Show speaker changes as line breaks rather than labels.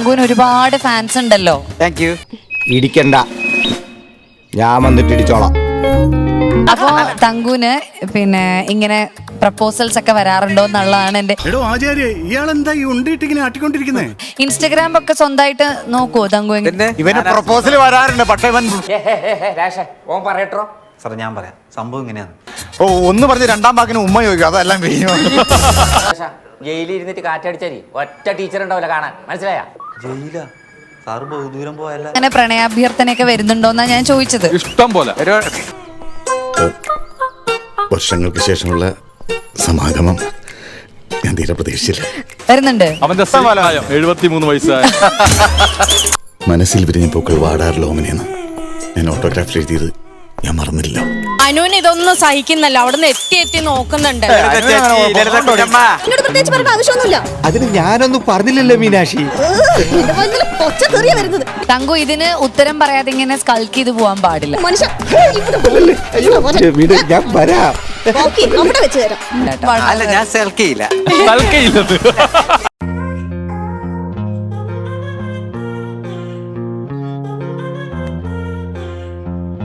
തങ്കുവിന് ഒരുപാട് ഫാൻസ് ഉണ്ടല്ലോ.
Thank you.
ഇടിക്കണ്ട, ഞാൻ വന്നിട്ട് ഇടിച്ചോളാം.
അപ്പൊ തങ്കുവിന് പിന്നെ ഇങ്ങനെ പ്രപ്പോസൽസ് ഒക്കെ വരാറുണ്ടോ എന്നുള്ളതാണ് എന്റെ.
ഇയാളെന്താ ഈ ഉണ്ടിട്ടിങ്ങനെ ആട്ടിക്കൊണ്ടിരിക്കുന്നേ?
ഇൻസ്റ്റഗ്രാം ഒക്കെ സ്വന്തമായിട്ട് നോക്കുവോ തങ്കു?
ഇവന് പ്രപ്പോസൽ വരാറുണ്ട്, പക്ഷെ ഇവൻ
ഓൻ പറയട്ടോ. സാർ ഞാൻ പറയാം, സംഭവം ഇങ്ങനെയാണ്.
ഓ ഒന്ന് പറഞ്ഞ് രണ്ടാം വാക്കിന് ഉമ്മ ചോദിക്കും, അതെല്ലാം കഴിഞ്ഞു.
ജയിലിൽ ഇരുന്നിട്ട് കാറ്റടിച്ചാരി ഒറ്റ ടീച്ചർ ഉണ്ടാവില്ല കാണാൻ, മനസ്സിലായ? ജയിലാ സാറ് ബഹുദൂരം പോയല്ല.
അങ്ങനെ പ്രണയാഭ്യർത്ഥനയൊക്കെ വരുന്നുണ്ടോന്നാ ഞാൻ ചോദിച്ചത്.
ഇഷ്ടം പോലെ.
വർഷങ്ങൾക്ക് ശേഷമുള്ള സമാഗമം ഞാൻ തീരെ പ്രതീക്ഷിച്ചില്ല.
വരുന്നുണ്ട്.
അവന്റെ 73 വയസ്സായ
മനസ്സിൽ വിരിഞ്ഞ പൂക്കൾ വാടാറില്ല ഓമനെന്ന് ഞാൻ ഓട്ടോഗ്രാഫിൽ എഴുതിയത് ഞാൻ മറന്നില്ല.
അനുവിന് ഇതൊന്നും സഹിക്കുന്നല്ല, അവിടെ നിന്ന് എത്തി നോക്കുന്നുണ്ട്.
പ്രത്യേകിച്ച് പറയേണ്ട ആവശ്യമൊന്നുമില്ല.
അതിന് ഞാനൊന്നും പറഞ്ഞില്ലല്ലോ മീനാക്ഷി.
തങ്കു ഇതിന് ഉത്തരം പറയാതെ ഇങ്ങനെ സ്കൾക്ക് ചെയ്ത് പോവാൻ പാടില്ല.
ഞാൻ വരാം.
അവിടെ വെച്ച് തരാം.
അല്ല, ഞാൻ സെൽക്കിയില്ല.
തൽക്കയില്ലത്.